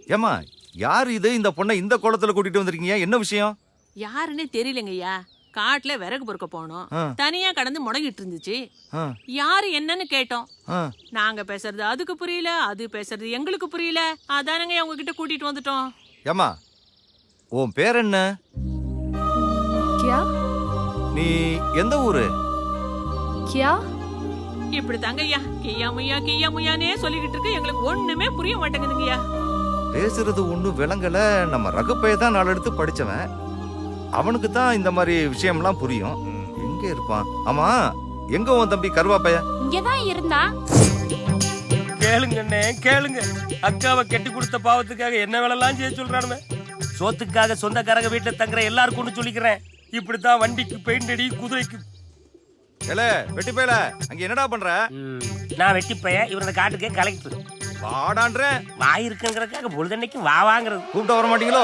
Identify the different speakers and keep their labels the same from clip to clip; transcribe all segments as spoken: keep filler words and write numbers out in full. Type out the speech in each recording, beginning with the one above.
Speaker 1: ஏமா யாரு இது? இந்த பொண்ணை இந்த கோலத்துல கூட்டிட்டு வந்திருக்கீங்க, என்ன விஷயம்?
Speaker 2: யாருன்னே தெரியலங்கய்யா. காட்டுல விறகு பொறுக்க போனோம், தனியா கடந்து முடங்கிட்டு இருந்துச்சு. யாரு என்னன்னு கேட்டோம். நாங்க பேசுறது அதுக்கு புரியல, அது பேசுறது எங்களுக்கு புரியல. அதானங்க உங்ககிட்ட கூட்டிட்டு வந்துட்டோம்.
Speaker 1: ஏமா உன் பேர் என்ன?
Speaker 3: क्या?
Speaker 1: நீ எந்த ஊரு?
Speaker 3: क्या?
Speaker 2: இப்படி தாங்கய்யா கியா முய்யா கியா முய்யானே சொல்லிக்கிட்டு இருக்கு. எங்களுக்கு ஒண்ணுமே புரிய மாட்டேங்குதுங்கய்யா.
Speaker 1: பேசுறது ஒண்ணு விளங்கல. நம்ம ரகுப்பைய தான் நாள் எடுத்து படிச்சவன், அவனுக்கு தான் இந்த மாதிரி விஷயம்லாம் புரியும். எங்க இருப்பான்? ஆமா, எங்க உன் தம்பி கருவாப்பைய?
Speaker 3: இங்கதான் இருந்தா.
Speaker 4: கேளுங்கண்ணே கேளுங்க. அக்காவை கெட்டி கொடுத்த பாவத்துக்காக என்ன வேலைலாம் செய்ய சொல்றானுங்க. சோத்துக்காக சொந்தக்காரங்க வீட்டுல தங்குற எல்லாருக்கும் ஒண்ணு சொல்லிக்கிறேன். இப்படித்தான் வண்டிக்கு பெயிண்ட் அடி, குதிரைக்கு.
Speaker 1: ஏல வெட்டி பேல, அங்க என்னடா பண்ற?
Speaker 4: நான் வெட்டி பைய, இவரது காட்டுக்கே கலெக்டர்.
Speaker 1: வாடான்ற
Speaker 4: வாய் இருக்குங்கிறதுக்காக பொழுதன்னைக்கு வா வாங்குறது.
Speaker 1: கூப்பிட்டு வர மாட்டீங்களோ?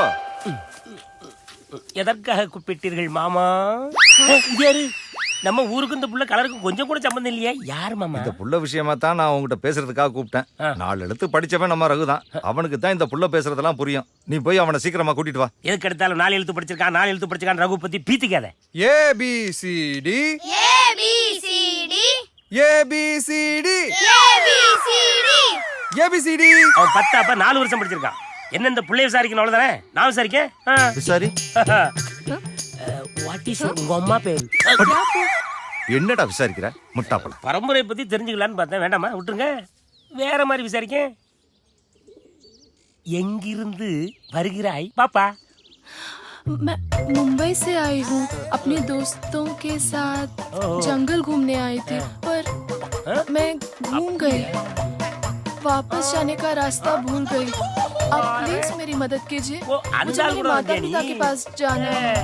Speaker 4: எதற்காக கூப்பிட்டீர்கள் மாமா? யாரு? நம்ம ஊருக்கு இந்த புள்ள கலருக்கும் கொஞ்சம் கூட சம்பந்தம் இல்லையா? யாரு மாமா?
Speaker 1: இந்த புள்ள விஷயமா தான் நான் உங்ககிட்ட பேசுறதுக்காக கூப்பிட்டேன். நாலு எழுத்து படிச்சவன் நம்ம ரகுதான், அவனுக்கு தான் இந்த புள்ள பேசுறதெல்லாம் புரியும். நீ போய் அவனை சீக்கிரமா கூட்டிட்டு வா.
Speaker 4: எதுக்கு எடுத்தாலும் நாலு எழுத்து படிச்சிருக்கான் நாலு எழுத்து படிச்சிருக்கான் ரகு பத்தி பீத்திக்காத.
Speaker 5: A B C D
Speaker 6: A B C D
Speaker 5: A B C D
Speaker 6: A B C D
Speaker 5: A B C D.
Speaker 4: அவன் பத்தாப்ப நாலு வருஷம் படிச்சிருக்கான். என்ன இந்த பிள்ளைய விசாரிக்கணும் அவ்வளவுதானே? நான் விசாரிக்கேன்.
Speaker 1: விசாரி.
Speaker 4: வாட் இஸ் உங்க அம்மா பேரு?
Speaker 1: என்னடா விசாரிக்கிற முட்டாப்பல?
Speaker 4: பரம்பரை பத்தி தெரிஞ்சுக்கலான்னு பார்த்தேன். வேண்டாமா, விட்டுருங்க. வேற மாதிரி விசாரிக்க. எங்கிருந்து வருகிறாய் பாப்பா?
Speaker 3: मैं मुंबई से आई हूँ, अपने दोस्तों के साथ जंगल घूमने आई थी, पर मैं घूम गई, वापस जाने का रास्ता भूल गई. आप प्लीज मेरी मदद कीजिए, मुझे मेरे माता पिता के पास जाना है.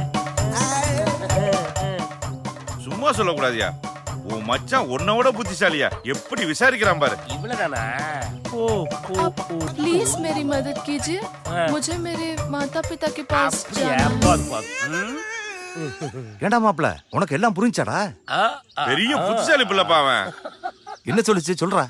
Speaker 7: சும்மா சொல்லக்கூடாதியா, உன் மச்சான் உன்னோட புத்திசாலியா, எப்படி விசாரிக்கிறான் பாரு.
Speaker 4: இவ்வளவுதானா? ஓ
Speaker 3: आप प्लीज मेरी मदद कीजिए, मुझे मेरे माता पिता के पास जाना है.
Speaker 1: ஏண்டா மாப்ள, உனக்கு எல்லாம் புரிஞ்சாடா?
Speaker 7: பெரிய புத்திசாலி பிள்ளைப்பா அவன்.
Speaker 1: என்ன சொல்லுச்சு சொல்றா?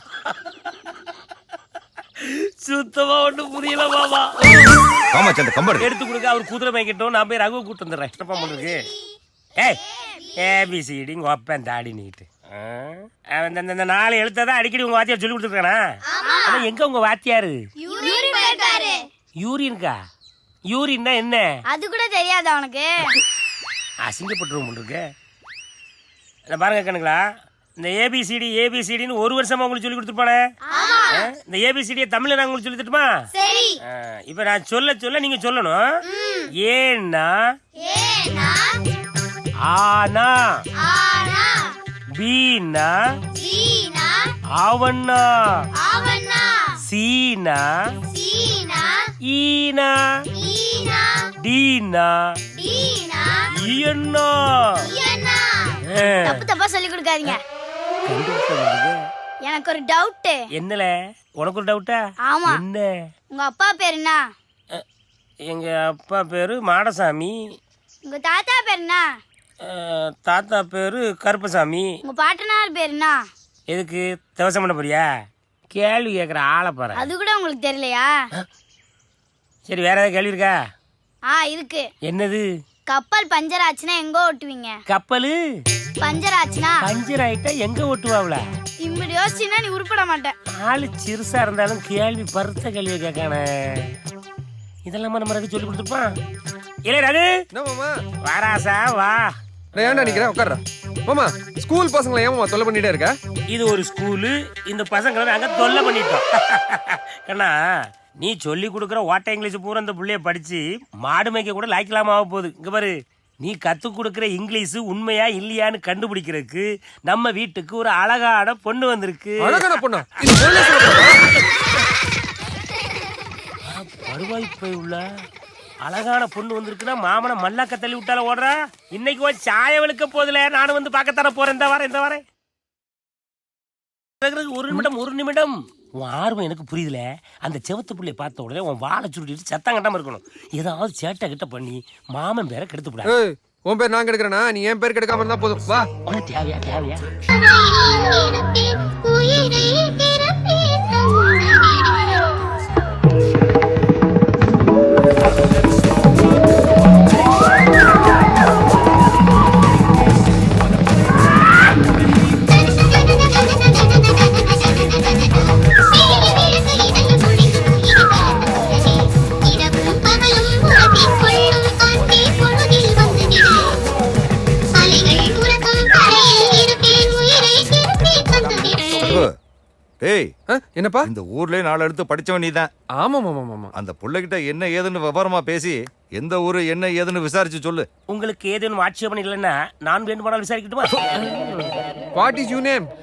Speaker 4: சுத்தமா ஒண்ணும் புரியல மாமா.
Speaker 1: ஆமா சண்ட கம்பர்
Speaker 4: எடுத்து கொடுக்க. அவர் குதிரை மேய்க்கட்டும், நான் போய் ரகுவை கூட்டு வந்துடுறேன். என்னப்பா பண்ணுக்கு? ஏய் ஏபிசிடி உங்க அப்பன் தாடி நீட்டு. இந்த நாலு எழுத்ததான் அடிக்கடி உங்க வாத்தியார் சொல்லி கொடுத்துருக்கானா? ஆனா எங்க உங்க வாத்தியாரு?
Speaker 6: யூரின் போயிருக்காரு.
Speaker 4: யூரின்கா? யூரின்னா என்ன?
Speaker 6: அது கூட தெரியாதா உனக்கு?
Speaker 4: அசிங்கப்பட்டுருவோம் இருக்கு. பாருங்க கண்ணுங்களா, இந்த ஏபிசிடி ஏபிசிடின்னு ஒரு வருஷமா உங்களுக்கு சொல்லி கொடுத்துருப்பானே. இந்த ஏபிசிடியை தமிழ்ல நான் உங்களுக்கு சொல்லி தட்டுமா?
Speaker 6: சரி.
Speaker 4: இப்ப நான் சொல்ல சொல்ல நீங்க சொல்லணும். ஏன்னா
Speaker 6: ஏனா
Speaker 4: ஆனா
Speaker 6: ஆனா
Speaker 4: பீனா
Speaker 6: சீனா
Speaker 4: அவன்னா
Speaker 6: அவனா
Speaker 4: சீனா
Speaker 6: சீனா
Speaker 4: ஈனா
Speaker 6: ஈனா
Speaker 4: டீனா
Speaker 6: டீனா
Speaker 4: ஈயன்னா.
Speaker 6: ஈயனா. தப்பு தப்பா சொல்லி கொடுக்காதீங்க. எனக்கு ஒரு டவுட்.
Speaker 4: என்னல? உனக்கு ஒரு டவுட்டா?
Speaker 6: ஆமா.
Speaker 4: என்ன?
Speaker 6: உங்க அப்பா பேர் என்ன?
Speaker 4: எங்க அப்பா பேரு மாடசாமி.
Speaker 6: உங்க தாத்தா பேர் என்ன?
Speaker 4: தாத்தா பேரு கருப்பசாமி.
Speaker 6: உங்க பாட்டனார் பேர் என்ன?
Speaker 4: எதுக்கு தவசம் பண்ண போறியா? கேள்வி கேட்குற ஆளை பாரு.
Speaker 6: அது கூட உங்களுக்கு தெரியலையா?
Speaker 4: சரி, வேற ஏதாவது கேள்வி இருக்கா?
Speaker 6: ஆ இருக்கு.
Speaker 4: என்னது?
Speaker 6: கப்பல் பஞ்சர் ஆச்சுன்னா எங்க ஓட்டுவீங்க?
Speaker 4: கப்பலு
Speaker 6: பஞ்சர் ஆச்சுன்னா
Speaker 4: பஞ்சர் ஆயிட்டா எங்க ஓட்டுவாப்ல?
Speaker 6: இப்படி யோசிச்சுன்னா நீ உருப்பட மாட்டேன்.
Speaker 4: ஆளு சிறுசா இருந்தாலும் கேள்வி பருத்த கேள்வி கேட்கானே. இதெல்லாம் நம்ம ரகு சொல்லி கொடுத்துருப்பான். இல்ல ரகு,
Speaker 5: என்ன மாமா?
Speaker 4: வாராசா வா.
Speaker 5: நான் ஏன்டா நிக்கிறேன்? உட்கார்றா மாமா. ஸ்கூல் பசங்களை ஏன் மாமா தொல்லை பண்ணிட்டே இருக்க?
Speaker 4: இது ஒரு ஸ்கூலு, இந்த பசங்களை நாங்க தொல்லை பண்ணிட்டோம். கண்ணா, நீ சொல்லி கொடுக்குற ஓட்ட இங்கிலீஷ் பூரா இந்த புள்ளைய படிச்சு மாடு மேய்க்க கூட லாய்க்கலாமா ஆக போகுது. இங்க பாரு, நீ கத்து கொடுக்குற இங்கிலீஷ் உண்மையா இல்லையான்னு கண்டுபிடிக்கிறதுக்கு நம்ம வீட்டுக்கு ஒரு அழகான பொண்ணு வந்திருக்கு.
Speaker 5: அழகான பொண்ணா?
Speaker 4: வருவாய் போய் உள்ள அழகான பொண்ணு வந்திருக்குன்னா மாமனை மல்லாக்க தள்ளி விட்டால ஓடுறா. இன்னைக்கு ஒரு சாய வெளுக்க போதில்ல, நானும் வந்து பார்க்கத்தானே போறேன். இந்த வாரம் இந்த வாரம் ஒரு நிமிடம் ஒரு நிமிடம். உன் ஆர்வம் எனக்கு புரியுதுல. அந்த செவத்து புள்ளைய பார்த்த உடனே உன் வாழை சுருட்டிட்டு சத்தம் கட்டாம இருக்கணும். ஏதாவது சேட்டை கிட்ட பண்ணி மாமன் பேரை கெடுத்து விடாது.
Speaker 5: உன் பேர் நான் கெடுக்கிறேனா? நீ என் பேர் கெடுக்காம இருந்தா போதும். வா.
Speaker 4: உனக்கு தேவையா தேவையா?
Speaker 5: என்னப்பா?
Speaker 1: இந்த ஊர்லயே நாலு எடுத்து படிச்சவன் நீதான்.
Speaker 5: ஆமா மாமா மாமா.
Speaker 1: அந்த புள்ளைகிட்ட என்ன ஏதுன்னு விவரமா பேசி எந்த ஊரு என்ன ஏதுன்னு விசாரிச்சு சொல்லு.
Speaker 4: உங்களுக்கு ஏதேனும் ஆட்சேபம் இல்லைன்னா நான் வேண்டுமானால் விசாரிக்கட்டுமா?
Speaker 5: What is you name?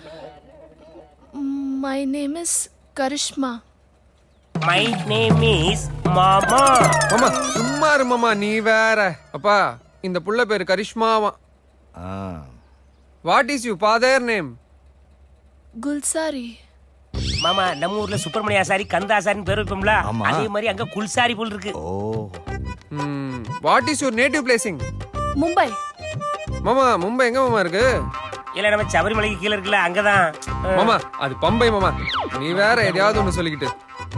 Speaker 3: My name is Karishma.
Speaker 4: My name is மாமா.
Speaker 5: மாமா சும்மா இரு மாமா, நீ வேற. அப்பா இந்த புள்ள பேரு கரிஷ்மாவா.
Speaker 1: ஆ.
Speaker 5: What is you father name?
Speaker 3: Gulsari.
Speaker 4: மாமா நம்ம ஊர்ல சுப்பிரமணிய ஆசாரி கந்தாசாரின்னு பேர் வைப்போம்ல,
Speaker 1: ஆமா.
Speaker 4: அதே மாதிரி அங்க குல்சாரி போல் இருக்கு.
Speaker 1: ஓ.
Speaker 5: What is your native placing?
Speaker 3: Mumbai.
Speaker 5: மாமா மும்பை எங்க மாமா இருக்கு?
Speaker 4: இல்ல நம்ம சபரிமலைக்கு கீழே இருக்குல்ல, அங்கதான்.
Speaker 5: மாமா அது பம்பை மாமா. நீ வேற எதையாவது ஒண்ணு சொல்லிக்கிட்டு.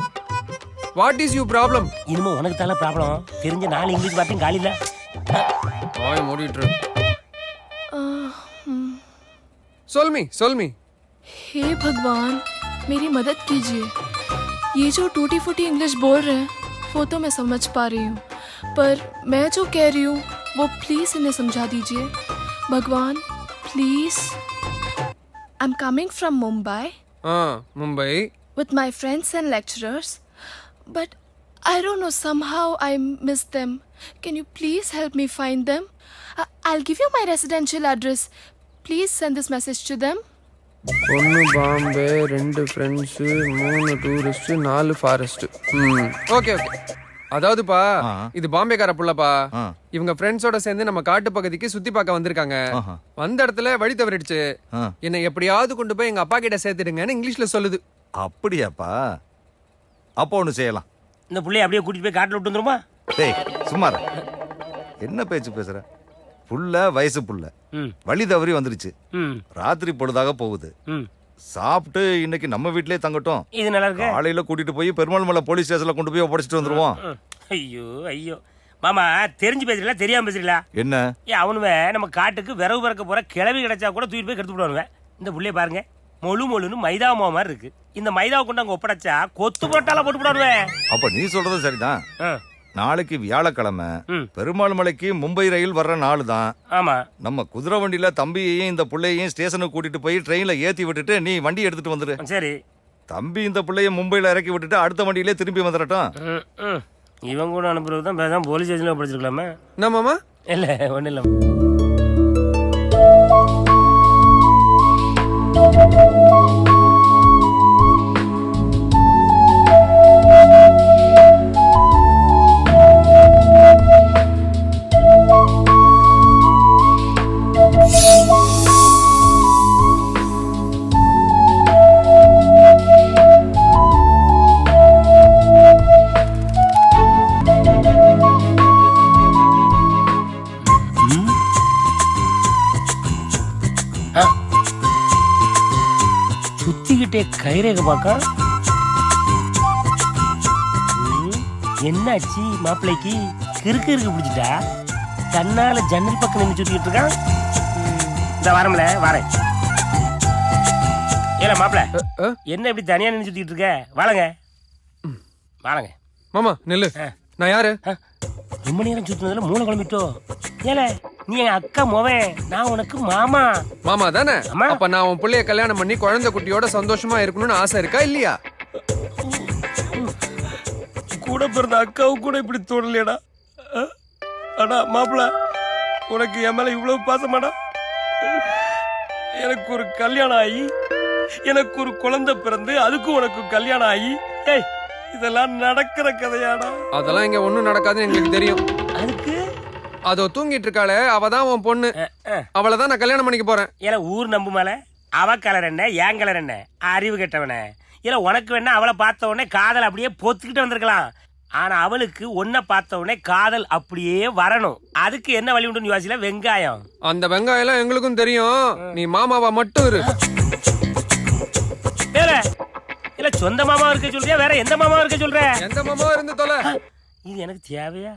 Speaker 5: What is you problem?
Speaker 4: இனிமே உனக்கு தான ப்ராப்ளம். தெரிஞ்ச நாலு இங்கிலீஷ் வார்த்தையும் காலி இல்ல.
Speaker 5: வாய் மூடிட்டு இரு.
Speaker 3: Uh, hmm.
Speaker 5: சொல் மீ சொல் மீ.
Speaker 3: हे भगवान, मेरी मदद कीजिए. ये जो टूटी फूटी इंग्लिश बोल रहे हैं वो तो मैं समझ पा रही हूँ, पर मैं जो कह रही हूँ वो प्लीज़ इन्हें समझा दीजिए. भगवान please. I am coming from Mumbai
Speaker 5: ஆ Mumbai.
Speaker 3: with my friends and lecturers, but I don't know, somehow I miss them. Can you please help me find them? I- I'll give you my residential address. Please send this message to them.
Speaker 5: ஒன்னு பாம்பே, ரெண்டு friends, மூணு tourist, நாலு forest. ம் okay okay. அதாவதுப்பா
Speaker 1: ஆ.
Speaker 5: இது பாம்பேக்கார புள்ளப்பா.
Speaker 1: ஆ.
Speaker 5: இவங்க ஃப்ரெண்ட்ஸோட சேர்ந்து நம்ம காட்டு பகுதிக்கு சுத்தி பார்க்க வந்திருக்காங்க.
Speaker 1: ஆஹா.
Speaker 5: வந்த இடத்துல வழி தவறிடுச்சு.
Speaker 1: ஆ.
Speaker 5: என்னை எப்படியாவது கொண்டு போய் எங்க அப்பா கிட்ட சேர்த்துடுங்கன்னு இங்கிலீஷ்ல சொல்லுது.
Speaker 1: அப்படியாப்பா? அப்போ ஒண்ணு செய்யலாம்.
Speaker 4: இந்த புள்ளைய அப்படியே கூட்டிட்டு போய் காட்டுல விட்டு வந்துருமா?
Speaker 1: டேய் சும்மா இரு. என்ன பேச்சு பேசுற? புள்ள வயசு புள்ள
Speaker 4: ம்
Speaker 1: வழி தவறி வந்துருச்சு.
Speaker 4: ம்
Speaker 1: ராத்திரி பொழுதாக போகுது.
Speaker 4: ம்
Speaker 1: சாப்பிட்டு இன்னைக்கு நம்ம வீட்லயே தங்கட்டும்.
Speaker 4: இது நல்லா இருக்கு.
Speaker 1: காலையில கூட்டிட்டு போய் பெருமாள் மலை போலீஸ் ஸ்டேஷன்ல கொண்டு போய் ஒப்படைச்சிட்டு வந்துருவோம்.
Speaker 4: ம். ஐயோ ஐயோ மாமா, தெரிஞ்சு பேசுறீங்களா தெரியாம பேசுறீங்களா?
Speaker 1: என்ன?
Speaker 4: ஏன் அவனுவே நம்ம காட்டுக்கு விறகு பறக்க போற கிளவி கிடைச்சா கூட தூக்கிட்டு போய் கெடுத்து விடுவானுவேன். இந்த புள்ளைய பாருங்க, மொழு மொழுன்னு மைதா மாவு மாதிரி இருக்கு. இந்த மைதாவை கொண்டு அங்க ஒப்படைச்சா கொத்து போட்டால போட்டு விடுவானுவேன்.
Speaker 1: அப்ப நீ சொல்றது சரிதான்.
Speaker 4: ஆ.
Speaker 1: நாளைக்கு வியாழக்கிழமை
Speaker 4: ம்.
Speaker 1: பெருமாள் மலைக்கு மும்பை ரயில் வர்ற நாள் தான்.
Speaker 4: ஆமா.
Speaker 1: நம்ம குதிரை வண்டியில தம்பியையும் இந்த புள்ளையையும் ஸ்டேஷனுக்கு கூட்டிட்டு போய் ட்ரெயின்ல ஏத்தி விட்டுட்டு நீ வண்டி எடுத்துட்டு வந்துரு.
Speaker 4: சரி.
Speaker 1: தம்பி இந்த புள்ளைய மும்பைல இறக்கி விட்டுட்டு அடுத்த வண்டியிலே திரும்பி வந்துடட்டும்.
Speaker 4: ம், ம். இவன் கூட அனுப்புறது தான் பேசாம போலீஸ் ஸ்டேஷன்ல படிச்சிருக்கலாமே.
Speaker 5: என்ன மாமா?
Speaker 4: இல்ல ஒண்ணு இல்ல. சுத்திக்கிட்டே கைரேக பாக்கா. என்னாச்சு மாப்பிள்ளைக்கு? கிறுக்கு இருக்கு பிடிச்சிட்டா? தன்னால ஜன்னல் பக்கம் நின்று சுத்திக்கிட்டு இருக்கான். இந்த வாரம்ல வாரேன். ஏல மாப்பிள்ள,
Speaker 5: அ?
Speaker 4: என்ன இப்படி தனியா நின்று சுத்திக்கிட்டு இருக்க? வாழங்க வாழங்க.
Speaker 5: மாமா நெல்லு. நான் யாரு?
Speaker 4: ரொம்ப நேரம் சுத்தினதுல மூளை குழம்பிட்டோ? ஏல நீ என் அக்கா மோவன், நான் உனக்கு மாமா.
Speaker 5: மாமா தானே?
Speaker 4: ஆமா.
Speaker 5: அப்ப நான் உன் புள்ளைய கல்யாணம் பண்ணி குழந்தை குட்டியோட சந்தோஷமா இருக்கணும்னு ஆசை இருக்கா இல்லையா?
Speaker 4: கூட பிறந்த அக்காவும் கூட இப்படி தோணலையடா. அடா மாப்பிள்ள, உனக்கு என் மேல இவ்வளவு பாசமாடா? எனக்கு ஒரு கல்யாணம் ஆகி எனக்கு ஒரு குழந்தை பிறந்து அதுக்கும் உனக்கு கல்யாணம் ஆகி, ஏய் இதெல்லாம் நடக்கிற கதையாடா?
Speaker 5: அதெல்லாம் இங்க ஒண்ணும் நடக்காதுன்னு எங்களுக்கு தெரியும்.
Speaker 4: அதுக்கு
Speaker 5: அதோ தூங்கிட்டு இருக்காளே, அவதான் உன் பொண்ணு. அவளை தான் நான் கல்யாணம் பண்ணிக்க போறேன்.
Speaker 4: ஏன்னா ஊர் நம்பு மேல அவ கலர் என்ன ஏன் கலர் என்ன? அறிவு கெட்டவன. இல்ல உனக்கு வேணா அவளை பார்த்த உடனே காதல் அப்படியே பொத்துக்கிட்டு வந்திருக்கலாம். ஆனா அவளுக்கு ஒன்ன பார்த்த உடனே காதல் அப்படியே வரணும். அதுக்கு என்ன வழி உண்டுன்னு யோசிக்கல. வெங்காயம்.
Speaker 5: அந்த வெங்காயம் எல்லாம் எங்களுக்கும் தெரியும். நீ மாமாவா மட்டும் இரு.
Speaker 4: வேற இல்ல சொந்த மாமா இருக்க சொல்றியா, வேற எந்த மாமா இருக்க சொல்ற?
Speaker 5: எந்த மாமாவா இருந்து தொலை.
Speaker 4: இது எனக்கு தேவையா?